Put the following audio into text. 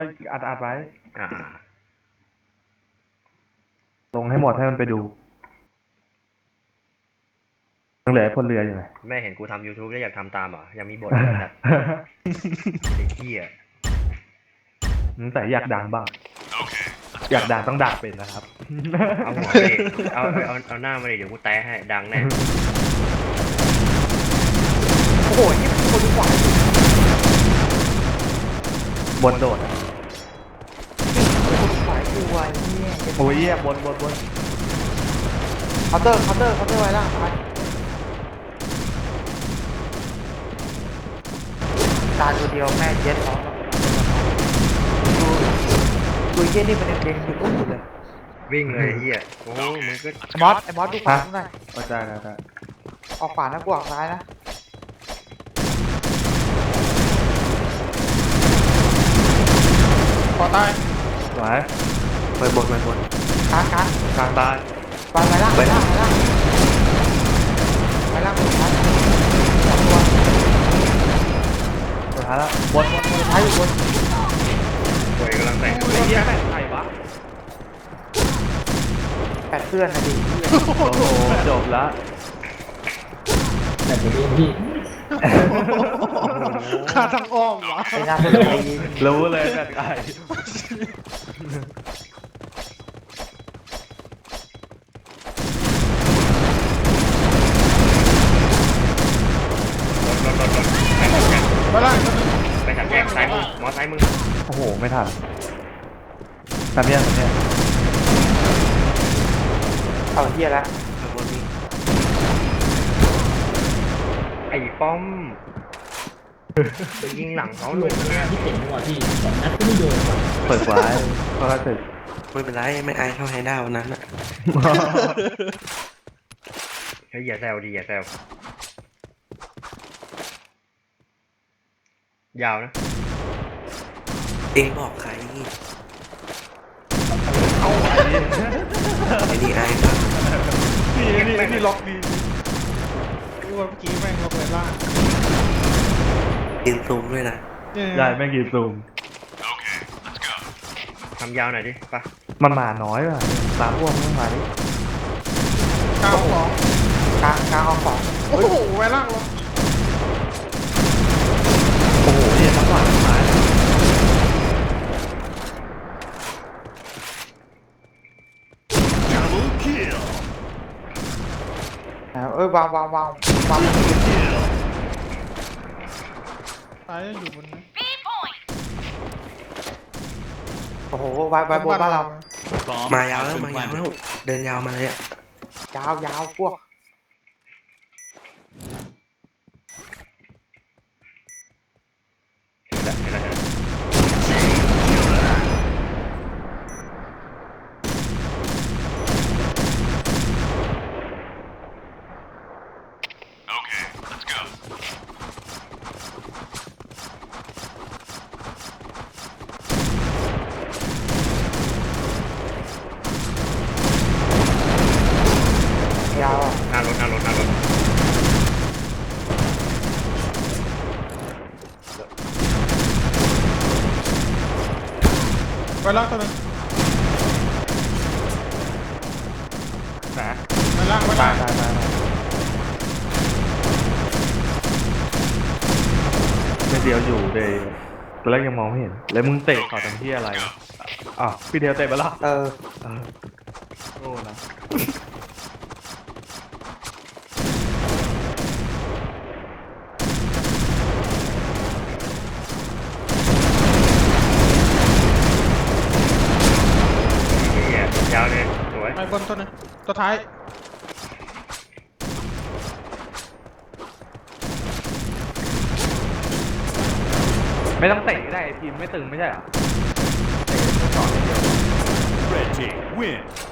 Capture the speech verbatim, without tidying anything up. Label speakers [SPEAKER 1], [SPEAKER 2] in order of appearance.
[SPEAKER 1] อัดอัดไว้
[SPEAKER 2] อ่า
[SPEAKER 1] ลงให้หมดให้มันไปดูยังเหลือพลเรืออยู่ไหม
[SPEAKER 2] แม่เห็นกูทำ YouTube แล้วอยากทำตามเหรอยังมีบทเลยนะไอ้เหี้ย
[SPEAKER 1] แต่อยากดังบ้างอยากดังต้องด่าเป็นนะครับ
[SPEAKER 2] เอาหัวดิเอาเอาเอาหน้ามาดิเดี๋ยวกูแต้ให้ดังแน่
[SPEAKER 3] โอ้โหนี่มันคนขวา
[SPEAKER 1] บนโดด
[SPEAKER 3] คนขวากูไอ้เนี่ย
[SPEAKER 1] โอ้ยเยี่ยบนบนบน
[SPEAKER 3] เคาน์เตอร์เคาน์เตอร์เคาน์เตอร์ไว้ล่างไปตาตัวเดียวแม่เจ็ดร้องดูดูเยี่ยนี่มันยังเด้งอยู่ตู้เลย
[SPEAKER 2] วิ่งเลยเหี้ยโอ้มึงก็
[SPEAKER 3] ไอ้มอสไอ้มอสดูขวาหน่อย
[SPEAKER 1] ได้ได้ได้
[SPEAKER 3] ออกขวานะกูออกซ้ายนะขอตาย
[SPEAKER 1] สวยไปบนไปบน
[SPEAKER 3] กลางกลาง
[SPEAKER 1] กลางตาย
[SPEAKER 3] ไปไปล่างไปล่างไปล่างไปล่างสุดท้ายสองตัว
[SPEAKER 1] สุดท้ายแล้วบนบนบน
[SPEAKER 3] สุดท้ายอยู่บน
[SPEAKER 2] ป่วยกำลังแต่ง
[SPEAKER 1] ไอ้เหี้ยแม่งใครวะ
[SPEAKER 3] แปดเพื่อนนะดิ
[SPEAKER 1] โอ้โหจบแล้ว
[SPEAKER 4] แต่ไปเรียนพี่
[SPEAKER 5] ขาทางอ้อมวะ
[SPEAKER 3] ไอ้น้าคนเลย
[SPEAKER 1] รู้เลยแบบไอ้
[SPEAKER 2] รถรถรถรถ
[SPEAKER 5] มาล่างตัวนึง
[SPEAKER 2] ไปถัดแยกซ้ายมือมอซ้ายมือ
[SPEAKER 1] โอ้โหไม่ทันทำยังทำยัง
[SPEAKER 3] เอาเฮียแล้ว
[SPEAKER 2] ไอ้ป้อมไปยิงหลังเขาเลย
[SPEAKER 4] ที่เก่งกว่าพี่สองนัดก็ไม่โดน
[SPEAKER 1] เปิดไว้เพราะว่าเสร็จ
[SPEAKER 6] ไม่เป็นไรไม่อายเท่าไฮด้าวันนั้นอะ
[SPEAKER 2] เฮ้ยอย่าแซวดิอย่าแซว ยาวนะ
[SPEAKER 6] เองบอกใคร
[SPEAKER 1] เอาไว้
[SPEAKER 6] ไอ้นี่อายครับ
[SPEAKER 5] นี่นี่นี่ล็อกดีดูว่าเมื่อกี้แม่งล็อกเลยล่าง
[SPEAKER 6] ยินซูมด้วยนะ
[SPEAKER 1] ได้แม่งกี่ซูม
[SPEAKER 2] ทำยาวหน่อยดิปะ
[SPEAKER 1] มันมาน้อยว่ะสามพวกมันมาดิ
[SPEAKER 5] กลางสอง
[SPEAKER 3] กลางกลางเอาสอง
[SPEAKER 5] โอ้โหไว้ล่างล็อก
[SPEAKER 1] โอ้โหเนี่ยทั้งหลังทั้งท้าย
[SPEAKER 3] เอ้ยวางวางวางวาง
[SPEAKER 5] ตายยังอยู่บนนะ
[SPEAKER 3] โอ้โหวางวางบนบ้านเรา
[SPEAKER 6] มายาวแล้วมายาวแล้วเดินยาวมาเลยอะ
[SPEAKER 3] ยาวยาวพวก
[SPEAKER 2] เห็นแล้วเห็นแล้วเห็นแล้ว
[SPEAKER 3] ยาว
[SPEAKER 2] หน้ารถหน้ารถหน้ารถ
[SPEAKER 5] ไว้ล่างตัวนึง
[SPEAKER 1] นะ
[SPEAKER 5] ไว้ล่างไว้
[SPEAKER 1] ตา
[SPEAKER 5] ล่าย ง
[SPEAKER 1] ตายตายไม่เดียวอยู่เลยตอนแรกยังมองไม่เห็นแล้วมึงเตะขอทำที่อะไรอ่ะพี่เดียวเตะไปละ
[SPEAKER 3] เออ
[SPEAKER 1] เออโอ้นะ
[SPEAKER 2] เหี้ยยาวเลยสวย
[SPEAKER 5] ไปบนตัวนึงตัวท้าย
[SPEAKER 1] ไม่ต้องเตะก็ได้ทีมไม่ตึงไม่ใช่เหรอเตะต่ออย่างเดียว
[SPEAKER 7] Red team win.